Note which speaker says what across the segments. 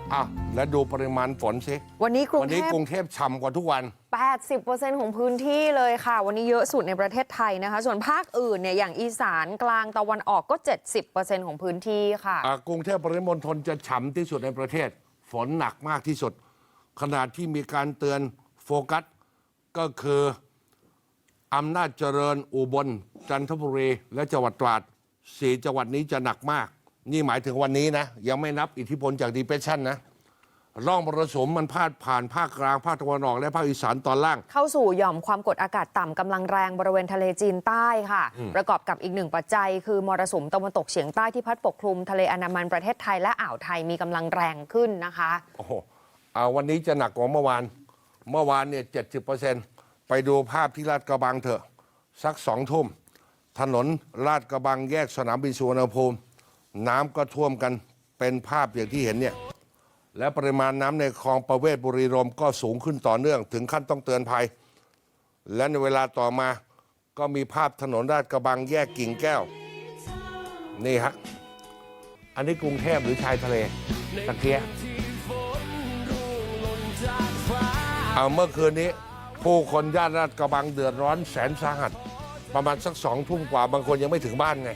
Speaker 1: และดูปริมาณฝนสิ
Speaker 2: วันนี้กรุงเทพ
Speaker 1: ฉ่ำกว่าทุกวัน
Speaker 2: 80% ของพื้นที่เลยค่ะวันนี้เยอะสุดในประเทศไทยนะคะส่วนภาคอื่นเนี่ยอย่างอีสานกลางตะวันออกก็ 70% ของพื้นที่ค่ะ
Speaker 1: กรุงเทพปริมณฑลจะฉ่ำที่สุดในประเทศฝนหนักมากที่สุดขนาดที่มีการเตือนโฟกัสก็คืออำนาจเจริญอุบลจันทบุรีและจังหวัดตราด4จังหวัดนี้จะหนักมากนี่หมายถึงวันนี้นะยังไม่นับอิทธิพลจากดีเพรสชันนะร่องมรสุมมันพาดผ่านภาคกลางภาคตะวันออกและภาคอีสานตอนล่าง
Speaker 2: เข้าสู่หย่อมความกดอากาศต่ำกำลังแรงบริเวณทะเลจีนใต้ค่ะประกอบกับอีกหนึ่งปัจจัยคือมรสุมตะวันตกเฉียงใต้ที่พัดปกคลุมทะเลอันดามันประเทศไทยและอ่าวไทยมีกำลังแรงขึ้นนะคะ
Speaker 1: โอ้โหวันนี้จะหนักกว่าเมื่อวานเนี่ย 70%ไปดูภาพที่ลาดกระบังเถอะสัก2 ทุ่มถนนลาดกระบังแยกสนามบินสุวรรณภูมิน้ำก็ท่วมกันเป็นภาพอย่างที่เห็นเนี่ยและปริมาณน้ำในคลองประเวศบุรีรัมย์ก็สูงขึ้นต่อเนื่องถึงขั้นต้องเตือนภัยและในเวลาต่อมาก็มีภาพถนนลาดกระบังแยกกิ่งแก้วนี่ฮะอันนี้กรุงเทพหรือชายทะเลตะเกียเมื่อคืนนี้ผู้คนย่านลาดกระบังเดือดร้อนแสนสาหัสประมาณสัก2 ทุ่มกว่าบางคนยังไม่ถึงบ้านไง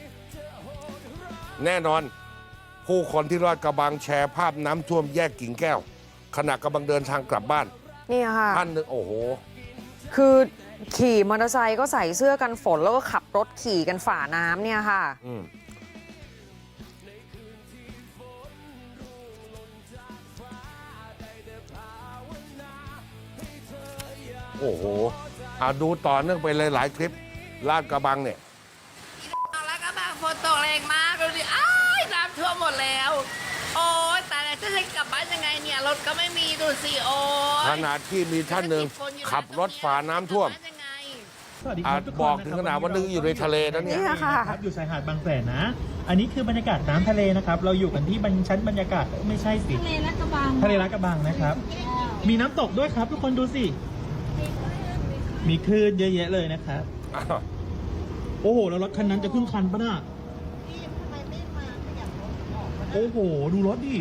Speaker 1: แน่นอนผู้คนที่ลาดกระบังแชร์ภาพน้ำท่วมแยกกิ่งแก้วขณะกำลังเดินทางกลับบ้าน
Speaker 2: นี่ค่ะ
Speaker 1: ท่านหนึ่งโอ้โห
Speaker 2: คือขี่มอเตอร์ไซค์ก็ใส่เสื้อกันฝนแล้วก็ขับรถขี่กันฝ่าน้ำเนี่ยค่ะ
Speaker 1: โอ้โหดูต่อเนื่องไปเลยหลายคลิปลาดกระบังเนี่ย
Speaker 3: ลาดกระบังฝนตกแรงมากดูดิอ้ายน้ำท่วมหมดแล้วโอ้ยแต่จะกลับบ้านยังไงเนี่ยรถก็ไม่มีดูสิโอ้ย
Speaker 1: ขนาดที่มีท่านหนึ่งขับรถฝ่าน้ำท่วมบอกถึงขนาดว่านึกอยู่ในทะเลนะเนี่ย
Speaker 4: ครับอยู่ชายหาดบางแสนนะอันนี้คือบรรยากาศน้ำทะเลนะครับเราอยู่กันที่ชั้นบรรยากาศไม่ใช่สิ
Speaker 5: ทะเลลาดกระบัง
Speaker 4: นะครับมีน้ำตกด้วยครับทุกคนดูสิมีคลื่นเยอะแยะเลยนะครับโอ้โหแล้วรถคันนั้นจะขึ้นคันปะน่ะโอ้โหดูรถดิ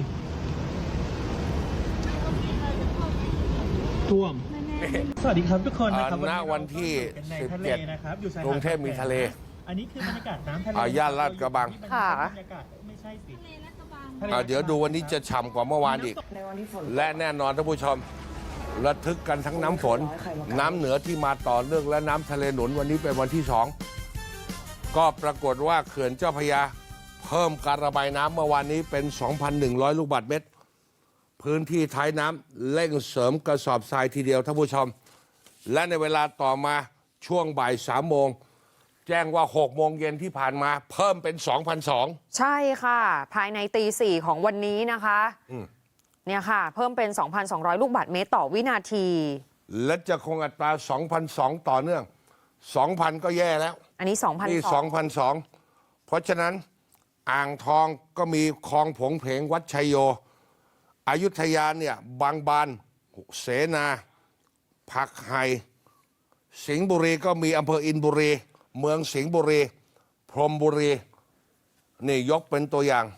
Speaker 4: ท่วมสวัสดีครับทุกคนนะครับ
Speaker 1: ณวันที่17
Speaker 4: นะครับ
Speaker 1: กรุงเทพมีทะเล
Speaker 4: อันนี้คือบรรยากาศน้ำทะเล
Speaker 1: ย่านลาดกระบัง
Speaker 2: ค่ะ
Speaker 4: ไม่ใช่สิ
Speaker 1: เดี๋ยวดูวันนี้จะฉ่ำกว่าเมื่อวานอีกและแน่นอนท่านผู้ชมระทึกกันทั้งน้ำฝนน้ำเหนือที่มาต่อเนื่องและน้ำทะเลหนุนวันนี้เป็นวันที่2ก็ปรากฏว่าเขื่อนเจ้าพระยาเพิ่มการระบายน้ำเมื่อวานนี้เป็น 2,100 ลูกบาศก์เมตรพื้นที่ท้ายน้ำเร่งเสริมกระสอบทรายทีเดียวท่านผู้ชมและในเวลาต่อมาช่วงบ่าย3 โมงแจ้งว่า6 โมงเย็นที่ผ่านมาเพิ่มเป็น 2,200
Speaker 2: ใช่ค่ะภายในตี 4ของวันนี้นะคะเนี่ยค่ะเพิ่มเป็น 2,200 ลูกบาศก์เมตรต่อวินาที
Speaker 1: และจะคงอัตรา 2,200 ต่อเนื่อง 2,000 ก็แย่แล้ว
Speaker 2: อันนี้ 2,200
Speaker 1: นี่ 2,200 เพราะฉะนั้นอ่างทองก็มีคลองผงเพงวัดชัยโยอยุธยาเนี่ยบางบานเสนาผักไห่สิงห์บุรีก็มีอำเภออินบุรีเมืองสิงห์บุรีพรหมบุรีนี่ยกเป็นตัวอย่าง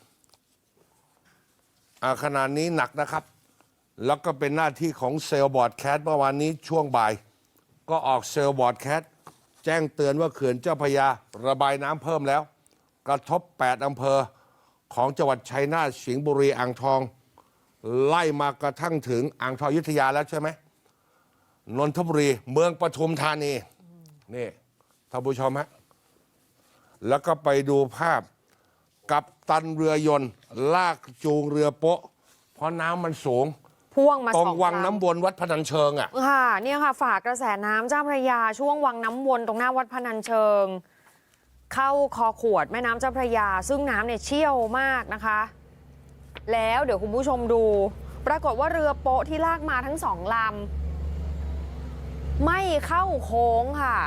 Speaker 1: ขนาดนี้หนักนะครับแล้วก็เป็นหน้าที่ของเซลล์บอร์ดแคสต์เมื่อวานนี้ช่วงบ่ายก็ออกเซลล์บอร์ดแคสต์แจ้งเตือนว่าเขื่อนเจ้าพระยาระบายน้ำเพิ่มแล้วกระทบ8 อำเภอของจังหวัดชัยนาทสิงห์บุรีอ่างทองไล่มากระทั่งถึงอ่างทองอยุธยาแล้วใช่ไหมนนทบุรีเมืองปทุมธานีนี่ท่านผู้ชมฮะแล้วก็ไปดูภาพกัปตันเรือยนต์ลากจูงเรือโป๊ะเพราะน้ำมันสูง
Speaker 2: พ่วงมา
Speaker 1: ตรงวังน้ำวนวัดพนัญเชิง
Speaker 2: ค่ะเนี่ยค่ะฝากกระแสน้ำเจ้าพระยาช่วงวังน้ำวนตรงหน้าวัดพนัญเชิงเข้าคอขวดแม่น้ำเจ้าพระยาซึ่งน้ำเนี่ยเชี่ยวมากนะคะแล้วเดี๋ยวคุณผู้ชมดูปรากฏว่าเรือโป๊ะที่ลากมาทั้ง2 ลำไม่เข้าโค้งค่ะ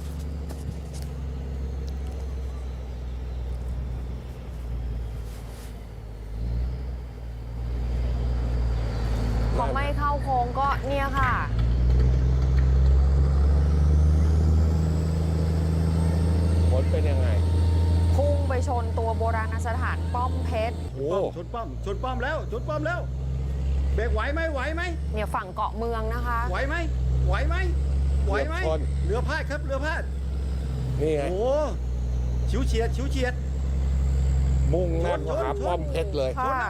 Speaker 2: พอไม่เข้าโค้งก็เนี่ยค่ะ
Speaker 1: ผลเป็นยังไง
Speaker 2: พุ่งไปชนตัวโบราณสถานป้อมเพชร
Speaker 5: ชนป้อมชนป้อมแล้วชนป้อมแล้วเบรกไหวไหมไหวไหม
Speaker 2: เนี่ยฝั่งเกาะเมืองนะคะ
Speaker 5: ไหวไหมไหวไหมไหวไหม
Speaker 1: เกือบชน
Speaker 5: เรือพาดครับเรือพาด
Speaker 1: นี่ไง
Speaker 5: โอ้ฉิวเฉียดฉิวเฉียด
Speaker 1: มุ่งหน้า
Speaker 5: ชน
Speaker 1: หา
Speaker 5: ชน
Speaker 1: ป้อมเพชรเลย
Speaker 2: ค่ะ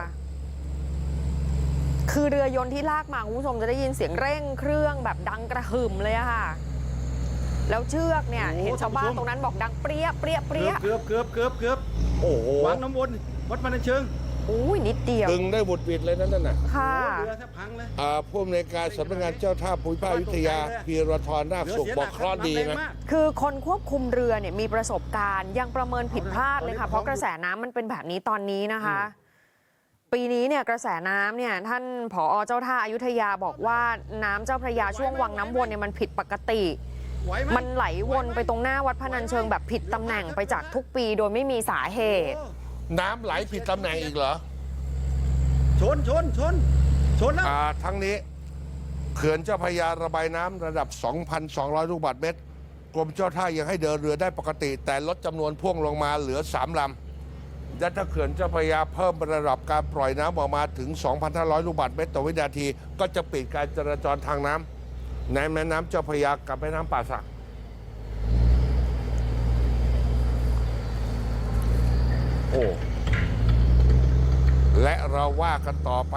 Speaker 2: คือเรือยนต์ที่ลากมาคุณผู้ชมจะได้ยินเสียงเร่งเครื่องแบบดังกระหึ่มเลยอะค่ะ แล้วเชือกเนี่ย
Speaker 5: โอ้
Speaker 2: เห็นชาวบ้าน
Speaker 5: ท่านผู้ชม
Speaker 2: ตรงนั้นบอกดังเปรี้ยเปรี้ยเปรี้ย
Speaker 5: เกือบ
Speaker 1: โอ้โห
Speaker 5: วางน้ำวนวัดพนัญเชิง
Speaker 2: อุ้ยนิดเดียว
Speaker 1: ดึงได้บุดบิดเลยนั่นน่ะ
Speaker 2: ค่ะ
Speaker 5: โอ้เรือแทบพังเลย
Speaker 1: ผู้อำนวยการสำนักงานเจ้าท่าภูมิภาคอยุธยาพีรทรนาค
Speaker 5: เรือ
Speaker 1: สุข
Speaker 5: เสีย
Speaker 1: บ
Speaker 5: ห
Speaker 1: อ
Speaker 5: ลั
Speaker 1: ก
Speaker 5: ก
Speaker 1: เคราะห์ดี
Speaker 5: แรง
Speaker 1: นะ
Speaker 5: มาก
Speaker 2: คือคนควบคุมเรือเนี่ยมีประสบการณ์ยังประเมินผิดพลาดเลยค่ะ
Speaker 5: เอาละ
Speaker 2: เพราะกระแสน้ำมันเป็นแบบนี้ตอนนี้นะคะ ปีนี้เนี่ยกระแสน้ำเนี่ยท่านผอ.เจ้าท่าอยุธยาบอกว่าน้ำเจ้าพระยาช่วงวังน้ำวนเนี่ยมันผิดปกติ
Speaker 5: ไหวไหม
Speaker 2: มันไหลวนไปตรงหน้าวัดพนัญเชิงแบบผิดตำแหน่งไปจากทุกปีโดยไม่มีสาเหตุ
Speaker 5: โอ้
Speaker 1: น้ำไหลผิดตำแหน่งอีกเหรอ
Speaker 5: ชนแล้ว
Speaker 1: ทั้งนี้เขื่อนเจ้าพระยาระบายน้ำระดับ 2,200 ลูกบาศก์เมตรกรมเจ้าท่ายังให้เดินเรือได้ปกติ แต่ลดจำนวนพ่วงลงมาเหลือ 3 ลำและถ้าเขื่อนเจ้าพระยาเพิ่มระดับการปล่อยน้ำออกมาถึง 2,500 ลูกบาศก์เมตรต่อวินาที ก็จะปิดการจราจรทางน้ำในแม่น้ำเจ้าพระยากับแม่น้ำป่าสัก โอ้ และเราว่ากันต่อไป